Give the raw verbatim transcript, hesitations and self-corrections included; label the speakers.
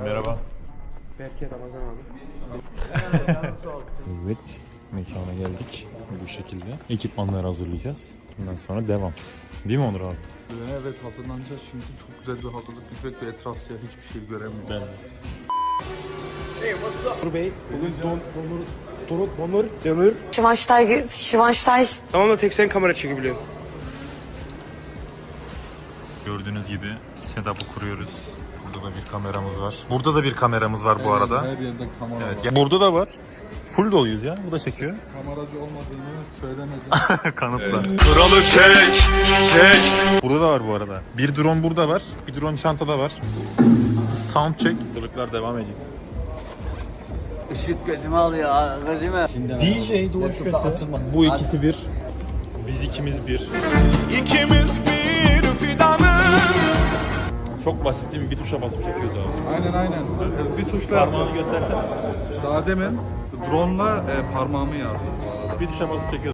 Speaker 1: Merhaba.
Speaker 2: Berke Ramazan abi.
Speaker 1: Evet, mekana geldik bu şekilde. Ekipmanları hazırlayacağız. Bundan sonra devam. Değil mi Onur abi?
Speaker 3: Evet, hazırlanacağız şimdi. Çok güzel bir hazırlık. Güzel bir etraf siyah, hiçbir şey göremiyorum.
Speaker 1: Ben.
Speaker 2: Onur Bey, bugün don, donur, donur, donur, demir.
Speaker 4: Schweinsteiger, Schweinsteiger.
Speaker 2: Tamam da tek sen kamera çekebiliyorsun.
Speaker 1: Gördüğünüz gibi setup'ı kuruyoruz. Burada da bir kameramız var. Burada da bir kameramız var bu arada.
Speaker 3: Her yerde kamera
Speaker 1: Evet,
Speaker 3: var.
Speaker 1: burada da var. Full doluyuz ya. Bu da çekiyor.
Speaker 3: Kameracı olmadığını söylemedi.
Speaker 1: Kanıtla. Kralı çek, çek. Burada da var bu arada. Bir drone burada var. Bir drone çantada var. Sound check. Kılıklar devam ediyor.
Speaker 5: Işık gözümü alıyor, gözümü.
Speaker 1: D J Doğuş Köse. Bu ikisi bir. Biz ikimiz bir.
Speaker 6: İkimiz bir fidanın.
Speaker 1: Çok basit değil mi? Bir tuşa basıp çekiyoruz abi.
Speaker 3: Aynen aynen. Bir tuşla
Speaker 1: Parmağını göstersene.
Speaker 3: daha demin drone'la e, parmağımı yardım.
Speaker 1: Bir tuşa basıp çekiyoruz.